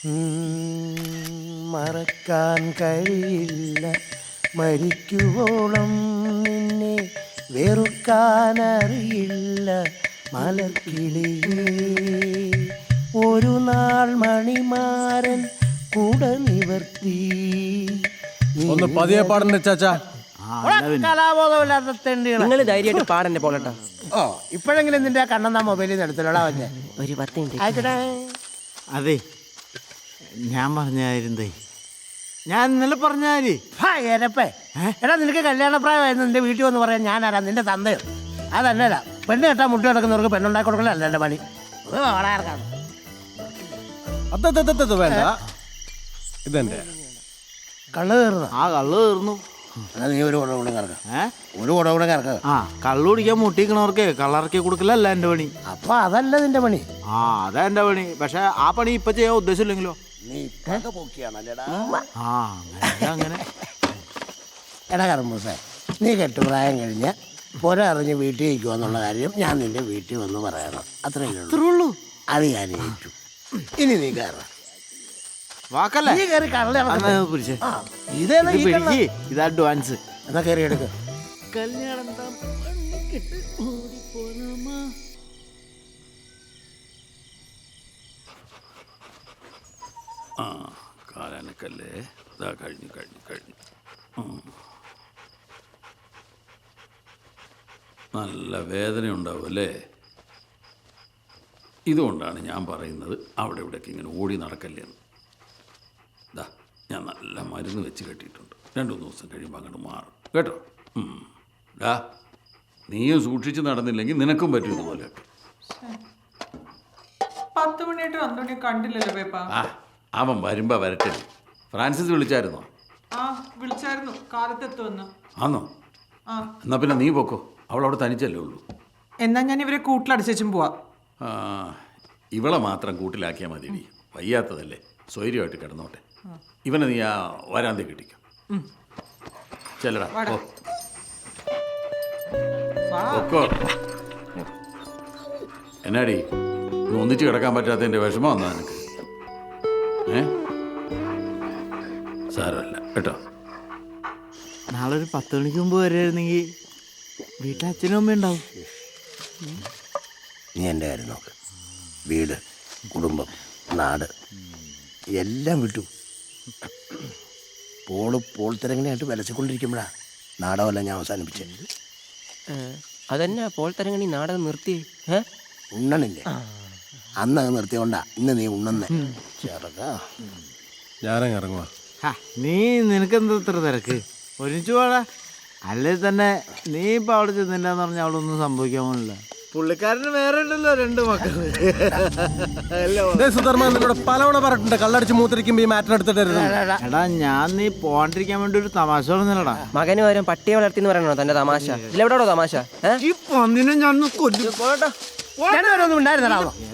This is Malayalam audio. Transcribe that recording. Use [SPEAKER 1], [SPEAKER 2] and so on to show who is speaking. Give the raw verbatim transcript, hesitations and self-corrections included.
[SPEAKER 1] മറക്കാൻ കഴിയില്ല മരിക്കുവോളം നിന്നെ വെറുക്കാനറിയില്ല മലർക്കിളിയേ. ഒരു നാൾ മണിമാരൻ കൂടെ നിവർത്തി.
[SPEAKER 2] ഒന്ന് പതിയെ പാടണ്ട ചാച്ചാ.
[SPEAKER 1] കലാബോധമില്ലാത്ത തെണ്ടികള്.
[SPEAKER 3] നിങ്ങൾ ധൈര്യമായിട്ട് പാടന്നെ പോലട്ടാ.
[SPEAKER 1] ഓ ഇപ്പോഴെങ്കിലും നിന്റെ കണ്ണെന്നാ മൊബൈലിൽ നിന്ന് എടുത്തില്ലടാ വന്നെ.
[SPEAKER 3] ഒരു പത്ത് മിനിറ്റ്
[SPEAKER 1] ആയിക്കോട്ടെ.
[SPEAKER 4] അതെ ഞാൻ പറഞ്ഞായിരുന്നേ, ഞാൻ ഇന്നലെ പറഞ്ഞാല്
[SPEAKER 1] എരപ്പേ എടാ നിനക്ക് കല്യാണപ്രായമായിരുന്നു നിന്റെ വീട്ടിൽ വന്ന് പറയാൻ ഞാനാരാ നിന്റെ തന്തയോ? അതല്ലല്ല പെണ്ണ് കെട്ടാൻ മുട്ടി കിടക്കുന്നവർക്ക് പെണ്ണുണ്ടാക്കി കൊടുക്കലല്ല എൻ്റെ പണി.
[SPEAKER 2] അതത് വേണ്ട, ഇതെന്റെ
[SPEAKER 1] കള്ള് കയറുന്ന
[SPEAKER 4] ആ കള്ളു തീർന്നു.
[SPEAKER 1] എന്നാ നീ ഒരു കുട കൂടെ കറക്ക.
[SPEAKER 4] ഏ
[SPEAKER 1] ഒരു കുട കൂടെ കറക്ക.
[SPEAKER 4] ആ കള്ളു കുടിക്കാൻ മുട്ടിക്കണവർക്ക് കള്ളറക്കി കൊടുക്കലല്ല എൻ്റെ പണി.
[SPEAKER 1] അപ്പൊ അതല്ല നിന്റെ പണി.
[SPEAKER 4] ആ അതാ എൻ്റെ പണി. പക്ഷെ ആ പണി ഇപ്പൊ ചെയ്യാൻ ഉദ്ദേശമില്ലെങ്കിലോ?
[SPEAKER 1] നീ പോക്കിയാണല്ലേടാ.
[SPEAKER 4] ആ അങ്ങനെ അങ്ങനെ
[SPEAKER 1] എടാ കർമ്മൂസേ, നീ കെട്ടുപ്രായം കഴിഞ്ഞ് പൊരറിഞ്ഞ് വീട്ടിൽ ഇരിക്കുക എന്നുള്ള കാര്യം ഞാൻ നിന്റെ വീട്ടിൽ വന്ന് പറയണം. അത്രയേ ഉള്ളൂ. അത് ഞാൻ ഏറ്റു. ഇനി നീ കയറാം.
[SPEAKER 4] വാക്കല്ലേ
[SPEAKER 1] നീ കയറി കള്ളി
[SPEAKER 4] പിടിച്ചേ.
[SPEAKER 1] ഇതേതാ ഈ കള്ള?
[SPEAKER 4] ഇത് അഡ്വാൻസ്.
[SPEAKER 1] എന്നാ കയറി എടുക്ക.
[SPEAKER 4] കല്യാണം
[SPEAKER 5] ആ കാലനക്കല്ലേ, ഇതാ കഴിഞ്ഞു കഴിഞ്ഞു കഴിഞ്ഞു. നല്ല വേദന ഉണ്ടാവും അല്ലേ? ഇതുകൊണ്ടാണ് ഞാൻ പറയുന്നത് അവിടെ ഇവിടേക്ക് ഇങ്ങനെ ഓടി നടക്കല്ലേന്ന്. ഇതാ ഞാൻ നല്ല മരുന്ന് വെച്ച് കെട്ടിയിട്ടുണ്ട്. രണ്ടു മൂന്ന് ദിവസം കഴിയുമ്പോൾ അങ്ങോട്ട് മാറും കേട്ടോ. ഡാ നീയും സൂക്ഷിച്ച് നടന്നില്ലെങ്കിൽ നിനക്കും പറ്റും ഇതുപോലെ.
[SPEAKER 6] പത്ത് മണിയായിട്ട് അന്തോണിയെ കണ്ടില്ലല്ലോ പേപ്പ.
[SPEAKER 5] ആ അവൻ വരുമ്പോ വരട്ടെ. ഫ്രാൻസിസ് വിളിച്ചായിരുന്നോ?
[SPEAKER 6] ആ വിളിച്ചായിരുന്നു, കാലത്തെത്തുമെന്ന്.
[SPEAKER 5] ആന്നോ?
[SPEAKER 6] ആ
[SPEAKER 5] എന്നാ പിന്നെ നീ പൊക്കോ, അവളവിടെ തനിച്ചല്ലേ ഉള്ളൂ.
[SPEAKER 6] എന്നാ ഞാൻ ഇവരെ കൂട്ടിലടച്ചും പോവാ.
[SPEAKER 5] ആ ഇവളെ മാത്രം കൂട്ടിലാക്കിയാൽ മതിയടി, വയ്യാത്തതല്ലേ, സ്വൈര്യമായിട്ട് കിടന്നോട്ടെ. ഇവനെ നീ ആ വരാന്തി കിട്ടിക്കും. ചെല്ലടാ ഓ പൊക്കോ. എന്നാടി ഒന്നിച്ച് കിടക്കാൻ പറ്റാത്തതിൻ്റെ വിഷമം വന്നാ നിനക്ക്? ഏ സാരമല്ല കേട്ടോ.
[SPEAKER 4] നാളെ ഒരു പത്ത് മണിക്ക് മുമ്പ് വരായിരുന്നെങ്കിൽ വീട്ടിൽ അച്ഛനും അമ്മയും ഉണ്ടാവും.
[SPEAKER 1] നീ എൻ്റെ കാര്യം നോക്ക്. വീട്, കുടുംബം, നാട് എല്ലാം വിട്ടു. പോള് പോൾ തിരങ്ങനെയായിട്ട് വിലസിക്കൊണ്ടിരിക്കുമ്പോഴാ നാടകമല്ല ഞാൻ അവസാനിപ്പിച്ചത്.
[SPEAKER 3] അതന്നെ പോൾ തരങ്ങണി നാടകം നിർത്തി. ഏ
[SPEAKER 1] ഉണ്ണണില്ലേ? അന്ന് അത് നിർത്തിയോണ്ടാ ഇന്ന് നീ ഉണ്ണുന്നേ. ചെറുതാ
[SPEAKER 2] ഞാനങ്ങ് ഇറങ്ങുവാ.
[SPEAKER 4] നീ നിനക്കെന്താ ഇത്ര തിരക്ക്? ഒരുമിച്ച് പോടാ. അല്ലേ തന്നെ നീ ഇപ്പൊ അവിടെ ചെന്നില്ലാന്ന് പറഞ്ഞാൽ അവിടെ ഒന്നും സംഭവിക്കാൻ പോണില്ല. പുള്ളിക്കാരന് വേറെ ഉണ്ടല്ലോ രണ്ട് മക്കള്.
[SPEAKER 2] സുധർമ്മ പലവണ പറഞ്ഞിട്ടുണ്ട് കള്ളടിച്ച് മൂത്തിരിക്കുമ്പോ ഈ മാറ്റം എടുത്തിട്ടായിരുന്നു.
[SPEAKER 4] എടാ ഞാൻ നീ പോണ്ടിരിക്കാൻ വേണ്ടി ഒരു തമാശ പറഞ്ഞല്ലടാ.
[SPEAKER 3] മകന് വരും പട്ടിയെ വളർത്തിന്ന് പറയണോ തന്റെ തമാശ? ഇതിലെവിടെയോ തമാശ?
[SPEAKER 4] ഈ പന്നിനെ ഞാൻ കൊല്ലും.
[SPEAKER 1] രണ്ടുപേരൊന്നും ഉണ്ടായിരുന്നടാ.